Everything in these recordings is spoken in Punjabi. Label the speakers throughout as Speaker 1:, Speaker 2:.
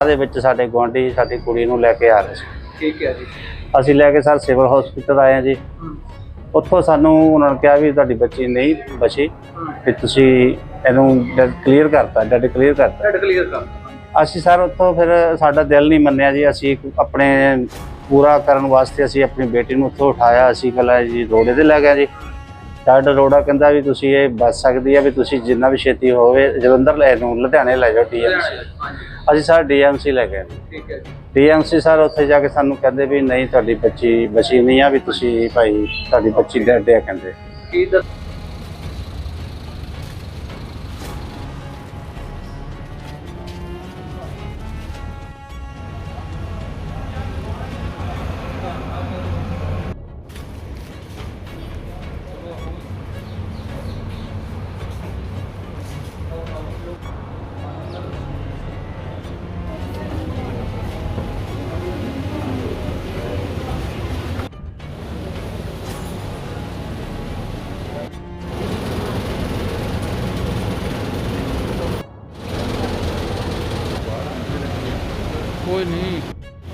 Speaker 1: ਦੇ ਵਿੱਚ ਸਾਡੇ ਗੁਆਂਢੀ ਸਾਡੀ ਕੁੜੀ ਨੂੰ ਲੈ ਕੇ ਆ ਰਹੇ ਸੀ।
Speaker 2: ਠੀਕ ਹੈ ਜੀ।
Speaker 1: ਅਸੀਂ ਲੈ ਕੇ ਸਰ ਸਿਵਲ ਹਸਪੀਟਲ ਆਏ ਹਾਂ ਜੀ। ਉੱਥੋਂ ਸਾਨੂੰ ਉਹਨਾਂ ਨੇ ਕਿਹਾ ਵੀ ਤੁਹਾਡੀ ਬੱਚੀ ਨਹੀਂ ਬਚੀ, ਵੀ ਤੁਸੀਂ ਇਹਨੂੰ ਡੈਡ ਕਲੀਅਰ ਕਰਤਾ।
Speaker 2: ਡੈਡ ਕਲੀਅਰ ਕਰ।
Speaker 1: ਅਸੀਂ ਸਰ ਉੱਥੋਂ ਫਿਰ ਸਾਡਾ ਦਿਲ ਨਹੀਂ ਮੰਨਿਆ ਜੀ। ਅਸੀਂ ਆਪਣੇ ਪੂਰਾ ਕਰਨ ਵਾਸਤੇ ਅਸੀਂ ਆਪਣੀ ਬੇਟੀ ਨੂੰ ਉੱਥੋਂ ਉਠਾਇਆ। ਅਸੀਂ ਪਹਿਲਾਂ ਜੀ ਰੋੜੇ 'ਤੇ ਲੈ ਗਏ ਜੀ। ਡਾਕਟਰ ਰੋੜਾ ਕਹਿੰਦਾ ਵੀ ਤੁਸੀਂ ਇਹ ਬਚ ਸਕਦੀ ਹੈ, ਵੀ ਤੁਸੀਂ ਜਿੰਨਾ ਵੀ ਛੇਤੀ ਹੋਵੇ ਜਲੰਧਰ ਲੈ ਨੂੰ ਲੁਧਿਆਣੇ ਲੈ ਜਾਓ DMC। ਅਸੀਂ ਸਰ DMC ਲੈ ਗਏ।
Speaker 2: ਠੀਕ ਹੈ ਜੀ।
Speaker 1: DMC ਸਰ ਉੱਥੇ ਜਾ ਕੇ ਸਾਨੂੰ ਕਹਿੰਦੇ ਵੀ ਨਹੀਂ ਤੁਹਾਡੀ ਬੱਚੀ ਬਚੀ ਨਹੀਂ ਆ, ਵੀ ਤੁਸੀਂ ਭਾਈ ਤੁਹਾਡੀ ਬੱਚੀ ਡੈਡ ਹੈ ਕਹਿੰਦੇ।
Speaker 2: ਕੀ ਦੱਸ ਕੋਈ ਨਹੀਂ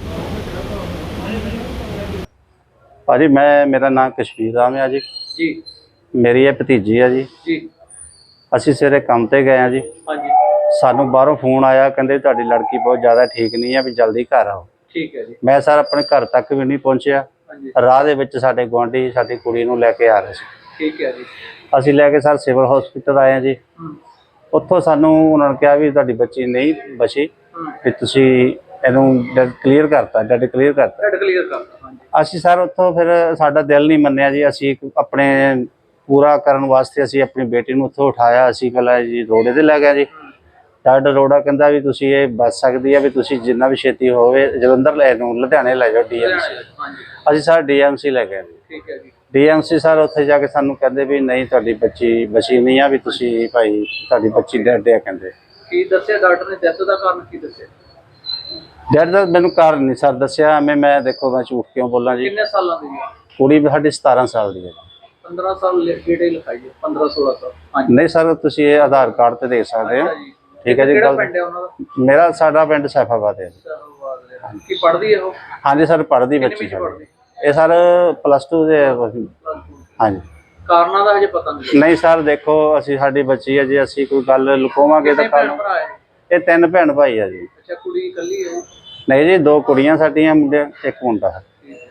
Speaker 1: ਭਾਜੀ ਮੇਰਾ ਨਾਮ ਕਸ਼ਮੀਰ ਰਾਮ ਹੈ ਜੀ।
Speaker 2: ਜੀ।
Speaker 1: ਮੇਰੀ ਇਹ ਭਤੀਜੀ ਹੈ ਜੀ।
Speaker 2: ਜੀ।
Speaker 1: ਅਸੀਂ ਸਵੇਰੇ ਕੰਮ ਤੇ ਗਏ ਹਾਂ ਜੀ।
Speaker 2: ਹਾਂਜੀ।
Speaker 1: ਸਾਨੂੰ ਬਾਹਰੋਂ ਫੋਨ ਆਇਆ, ਕਹਿੰਦੇ ਤੁਹਾਡੀ ਲੜਕੀ ਬਹੁਤ ਜ਼ਿਆਦਾ ਠੀਕ ਨਹੀਂ ਹੈ, ਵੀ ਜਲਦੀ ਘਰ ਆਓ।
Speaker 2: ਠੀਕ ਹੈ ਜੀ।
Speaker 1: ਮੈਂ ਸਰ ਆਪਣੇ ਘਰ ਤੱਕ ਵੀ ਨਹੀਂ ਪਹੁੰਚਿਆ।
Speaker 2: ਹਾਂਜੀ।
Speaker 1: ਰਾਹ ਦੇ ਵਿੱਚ ਸਾਡੇ ਗੁਆਂਢੀ ਸਾਡੀ ਕੁੜੀ ਨੂੰ ਲੈ ਕੇ ਆ ਰਹੇ ਸੀ।
Speaker 2: ਠੀਕ ਹੈ ਜੀ।
Speaker 1: ਅਸੀਂ ਲੈ ਕੇ ਸਰ ਸਿਵਲ ਹਸਪੀਟਲ ਆਏ ਹਾਂ ਜੀ। ਉੱਥੋਂ ਸਾਨੂੰ ਉਹਨਾਂ ਨੇ ਕਿਹਾ ਵੀ ਤੁਹਾਡੀ ਬੱਚੀ ਨਹੀਂ ਬਚੀ, ਵੀ ਤੁਸੀਂ ਇਹਨੂੰ ਡੈਡ ਕਲੀਅਰ ਕਰਤਾ।
Speaker 2: ਡੈਡ ਕਲੀਅਰ ਕਰ।
Speaker 1: ਅਸੀਂ ਸਰ ਉੱਥੋਂ ਫਿਰ ਸਾਡਾ ਦਿਲ ਨਹੀਂ ਮੰਨਿਆ ਜੀ। ਅਸੀਂ ਆਪਣੇ ਪੂਰਾ ਕਰਨ ਵਾਸਤੇ ਅਸੀਂ ਆਪਣੀ ਬੇਟੀ ਨੂੰ ਉੱਥੋਂ ਉਠਾਇਆ। ਅਸੀਂ ਪਹਿਲਾਂ ਜੀ ਰੋੜੇ 'ਤੇ ਲੈ ਗਏ ਜੀ। ਡਾਕਟਰ ਰੋੜਾ ਕਹਿੰਦਾ ਵੀ ਤੁਸੀਂ ਇਹ ਬਚ ਸਕਦੀ ਹੈ, ਵੀ ਤੁਸੀਂ ਜਿੰਨਾ ਵੀ ਛੇਤੀ ਹੋਵੇ ਜਲੰਧਰ ਲੈ ਨੂੰ ਲੁਧਿਆਣੇ ਲੈ ਜਾਓ DMC। ਅਸੀਂ ਸਰ DMC ਲੈ ਗਏ।
Speaker 2: ਠੀਕ ਹੈ ਜੀ।
Speaker 1: DMC ਸਰ ਉੱਥੇ ਜਾ ਕੇ ਸਾਨੂੰ ਕਹਿੰਦੇ ਵੀ ਨਹੀਂ ਤੁਹਾਡੀ ਬੱਚੀ ਬਚੀ ਨਹੀਂ ਆ, ਵੀ ਤੁਸੀਂ ਭਾਈ ਤੁਹਾਡੀ ਬੱਚੀ ਡੈਡ ਹੈ ਕਹਿੰਦੇ।
Speaker 2: ਕੀ ਦੱਸਿਆ ਡਾਕਟਰ ਨੇ? ਡੈਥ ਦਾ ਕਾਰਨ ਕੀ ਦੱਸਿਆ?
Speaker 1: ਡੈਡ ਦਾ ਮੈਨੂੰ ਕਾਰਨ ਨਹੀਂ ਸਰ ਦੱਸਿਆ। ਮੈਂ ਦੇਖੋ ਮੈਂ ਝੂਠ ਕਿਉਂ ਬੋਲਾਂ ਜੀ।
Speaker 2: ਕਿੰਨੇ ਸਾਲਾਂ ਦੀ ਹੈ
Speaker 1: ਕੁੜੀ ਸਾਡੀ 17 ਸਾਲ ਦੀ ਹੈ।
Speaker 2: 15 ਸਾਲ ਡੇਟੇ ਲਿਖਾਈ ਹੈ। 15-16 ਸਾਲ। ਹਾਂਜੀ।
Speaker 1: ਨਹੀਂ ਸਰ ਤੁਸੀਂ ਇਹ ਆਧਾਰ ਕਾਰਡ ਤੇ ਦੇਖ ਸਕਦੇ ਹੋ। ਠੀਕ ਹੈ ਜੀ।
Speaker 2: ਕਿਹੜਾ ਪਿੰਡ ਹੈ ਉਹਨਾਂ ਦਾ?
Speaker 1: ਸਾਡਾ ਪਿੰਡ ਸੈਫਾਬਾਦ ਹੈ।
Speaker 2: ਕੀ ਪੜ੍ਹਦੀ ਹੈ ਉਹ?
Speaker 1: ਹਾਂਜੀ ਸਰ ਪੜ੍ਹਦੀ ਬੱਚੀ ਸਾਡੀ। ਇਹ ਸਰ +2 ਦੇ। ਹਾਂਜੀ।
Speaker 2: ਕਾਰਨਾਂ ਦਾ ਹਜੇ ਪਤਾ
Speaker 1: ਨਹੀਂ ਸਰ ਦੇਖੋ ਅਸੀਂ ਸਾਡੀ ਬੱਚੀ ਹੈ ਜੀ। ਅਸੀਂ ਕੋਈ ਗੱਲ ਲੁਕਾਵਾਂਗੇ ਤਾਂ ਕੱਲ। ਇਹ 3 ਭੈਣ ਭਾਈ ਆ ਜੀ।
Speaker 2: ਅੱਛਾ। ਕੁੜੀ ਇਕੱਲੀ ਹੈ?
Speaker 1: ਨਹੀਂ ਜੀ 2 ਕੁੜੀਆਂ ਸਾਡੀਆਂ, ਮੁੰਡੇ 1 ਮੁੰਡਾ ਹੈ।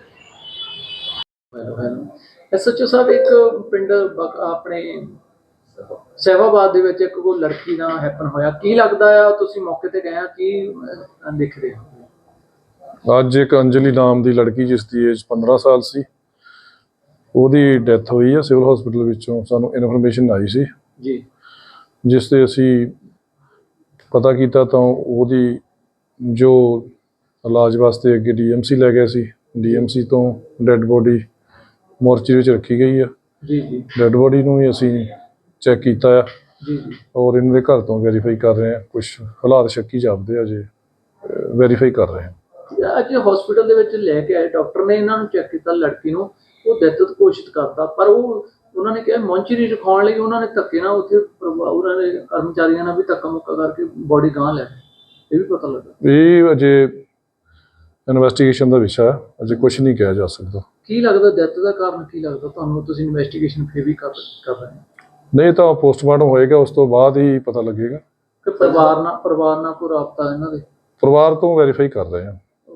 Speaker 2: SHO ਸਾਹਿਬ ਇੱਕ ਪਿੰਡ ਆਪਣੇ ਸੈਫਾਬਾਦ ਦੇ ਵਿੱਚ ਇੱਕ ਕੋਈ ਲੜਕੀ ਦਾ ਹੈਪਨ ਹੋਇਆ। ਕੀ ਲੱਗਦਾ ਆ? ਤੁਸੀਂ ਮੌਕੇ ਤੇ ਗਏ ਆ, ਕੀ ਦੇਖ ਰਹੇ ਹੋ?
Speaker 3: ਅੱਜ ਇੱਕ ਅੰਜਲੀ ਨਾਮ ਦੀ ਲੜਕੀ ਜਿਸ ਦੀ ਏਜ 15 ਸਾਲ ਸੀ, ਉਹਦੀ ਡੈਥ ਹੋਈ ਹੈ ਸਿਵਲ ਹਸਪੀਟਲ ਵਿੱਚੋਂ। ਸਾਨੂੰ ਇਨਫੋਰਮੇਸ਼ਨ ਆਈ ਸੀ
Speaker 2: ਜੀ,
Speaker 3: ਜਿਸ ਤੇ ਅਸੀਂ ਪਤਾ ਕੀਤਾ ਤਾਂ ਉਹਦੀ ਜੋ ਇਲਾਜ ਵਾਸਤੇ ਅੱਗੇ DMC ਲੈ ਗਏ ਸੀ। DMC ਤੋਂ ਡੈੱਡ ਬੋਡੀ ਮੋਰਚਰੀ ਵਿੱਚ ਰੱਖੀ ਗਈ ਆ।
Speaker 2: ਜੀ ਜੀ।
Speaker 3: ਡੈੱਡ ਬੋਡੀ ਨੂੰ ਵੀ ਅਸੀਂ ਚੈੱਕ ਕੀਤਾ ਆ
Speaker 2: ਜੀ ਜੀ।
Speaker 3: ਔਰ ਇਹਨਾਂ ਦੇ ਘਰ ਤੋਂ ਵੈਰੀਫਾਈ ਕਰ ਰਹੇ ਹਾਂ। ਕੁਝ ਹਾਲਾਤ ਸ਼ੱਕੀ ਜਾਪਦੇ ਆ, ਜੇ ਵੈਰੀਫਾਈ ਕਰ ਰਹੇ ਹਾਂ।
Speaker 2: ਅੱਜ ਹਸਪੀਟਲ ਦੇ ਵਿੱਚ ਲੈ ਕੇ ਆਏ ਡਾਕਟਰ ਨੇ, ਇਹਨਾਂ ਨੂੰ ਚੈੱਕ ਕੀਤਾ ਲੜਕੀ ਨੂੰ। ਉਹ ਡੈਥ ਦੀ ਕੋਸ਼ਿਸ਼ ਕਰਦਾ, ਪਰ ਉਹਨਾਂ ਨੇ ਕਿਹਾ ਮੌਂਚਰੀ ਰਖਾਉਣ ਲਈ ਉਹਨਾਂ ਨੇ ਧੱਕੇ ਨਾਲ ਉੱਥੇ ਉਹਨਾਂ ਦੇ ਕਰਮਚਾਰੀਆਂ ਨਾਲ ਵੀ ਧੱਕਾ ਮੁੱਕਾ ਕਰਕੇ ਬੋਡੀ ਗਾਂਹ ਲੈ ਇਹ ਵੀ ਪਤਾ ਲੱਗਾ। ਇਹ
Speaker 3: ਅਜੇ ਇਨਵੈਸਟੀਗੇਸ਼ਨ ਦਾ ਵਿਸ਼ਾ ਹੈ, ਅਜੇ ਕੁਝ ਨਹੀਂ ਕਿਹਾ ਜਾ ਸਕਦਾ।
Speaker 2: ਕੀ ਲੱਗਦਾ ਡੈਥ ਦਾ ਕਾਰਨ ਕੀ ਲੱਗਦਾ ਤੁਹਾਨੂੰ? ਤੁਸੀਂ ਇਨਵੈਸਟੀਗੇਸ਼ਨ ਫਿਰ ਵੀ ਕਰ ਰਹੇ ਹੋ?
Speaker 3: ਨਹੀਂ ਤਾਂ ਪੋਸਟਮਾਰਟਮ ਹੋਏਗਾ, ਉਸ ਤੋਂ ਬਾਅਦ ਹੀ ਪਤਾ ਲੱਗੇਗਾ।
Speaker 2: ਕਿ ਪਰਿਵਾਰ ਨਾਲ ਕੋਈ ਰਾਬਤਾ ਇਹਨਾਂ ਦੇ?
Speaker 3: ਪਰਿਵਾਰ ਤੋਂ ਵੈਰੀਫਾਈ ਕਰ ਰਹੇ ਹਾਂ।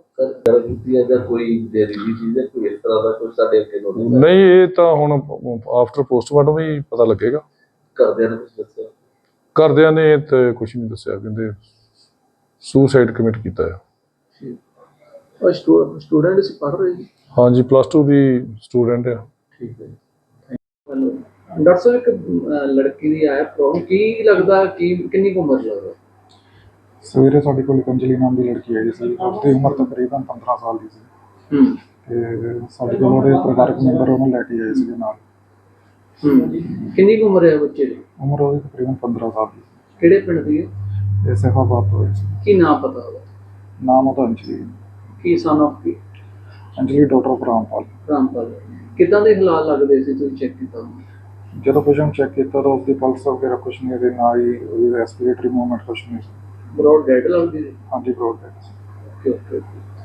Speaker 3: ਨਹੀਂ ਇਹ ਤਾਂ ਹੁਣ ਆਫਟਰ ਪੋਸਟਮਾਰਟਮ ਹੀ ਪਤਾ ਲੱਗੇਗਾ। ਘਰਦਿਆਂ ਨੇ ਤੇ ਕੁਝ ਨਹੀਂ ਦੱਸਿਆ, ਕਹਿੰਦੇ ਸੁਸਾਈਡ ਕਮਿਟ ਕੀਤਾ ਹੈ।
Speaker 2: ਸਟੂਡੈਂਟ ਸੀ, ਪੜ੍ਹ ਰਹੇ ਜੀ?
Speaker 3: ਹਾਂਜੀ +2 ਦੀ ਸਟੂਡੈਂਟ ਹੈ।
Speaker 2: ਠੀਕ ਹੈ ਜੀ। ਡਾਕਟਰ ਸਾਹਿਬ ਇੱਕ ਲੜਕੀ ਦੀ ਆਇਆ ਪ੍ਰੋਬਲਮ, ਕੀ ਲੱਗਦਾ ਕਿੰਨੀ ਕੁ ਉਮਰ ਲੱਗਦਾ?
Speaker 4: ਸਵੇਰੇ ਸਾਡੇ ਕੋਲ ਅੰਜਲੀ ਨਾਮ ਦੀ ਲੜਕੀ ਆਈ ਸੀ। ਉਹਦੀ ਉਮਰ ਤਕਰੀਬਨ 15 ਸਾਲ ਦੀ ਸੀ। ਤੇ ਸਾਡੇ ਕੋਲ ਉਹਦੇ ਪਰਿਵਾਰਕ ਮੈਂਬਰ ਉਹਨੂੰ ਲੈ ਕੇ ਆਏ ਸੀਗੇ ਨਾਲ।
Speaker 2: ਕਿੰਨੀ ਕੁ ਉਮਰ ਹੈ ਬੱਚੇ ਦੀ?
Speaker 4: ਉਮਰ ਉਹਦੀ ਤਕਰੀਬਨ 15 ਸਾਲ ਦੀ।
Speaker 2: ਕਿਹੜੇ ਪਿੰਡ ਦੀ ਹੈ?
Speaker 4: ਇਹ ਸੈਫਾਬਾਦ ਤੋਂ ਸੀ।
Speaker 2: ਕੀ ਨਾਮ ਪਤਾ ਉਹਦਾ?
Speaker 4: ਨਾਮ ਉਹਦਾ ਅੰਜਲੀ।
Speaker 2: ਕੀ ਸਨ ਆਫ ਕੀ?
Speaker 4: Anjali daughter of Rampal.
Speaker 2: ਕਿੱਦਾਂ ਦੇ ਹਾਲਾਤ ਲੱਗਦੇ ਸੀ ਤੁਸੀਂ ਚੈੱਕ ਕੀਤਾ?
Speaker 4: ਜਦੋਂ ਪੇਸ਼ੈਂਟ ਚੈੱਕ ਕੀਤਾ ਤਾਂ ਉਸਦੀ ਪਲਸ ਵਗੈਰਾ ਕੁਛ ਨਹੀਂ, ਇਹਦੇ ਨਾਲ ਹੀ ਉਹਦੀ ਰੈਸਪੀਰੇਟਰੀ ਮੂਵਮੈਂਟ ਕੁਛ ਨਹੀਂ ਸੀ।
Speaker 2: ਬਰੋਡ ਡੈਡ ਲੱਗਦੀ ਸੀ।
Speaker 4: ਹਾਂਜੀ ਬਰੋਡ ਡੈਡ ਸੀ।
Speaker 2: Okay okay.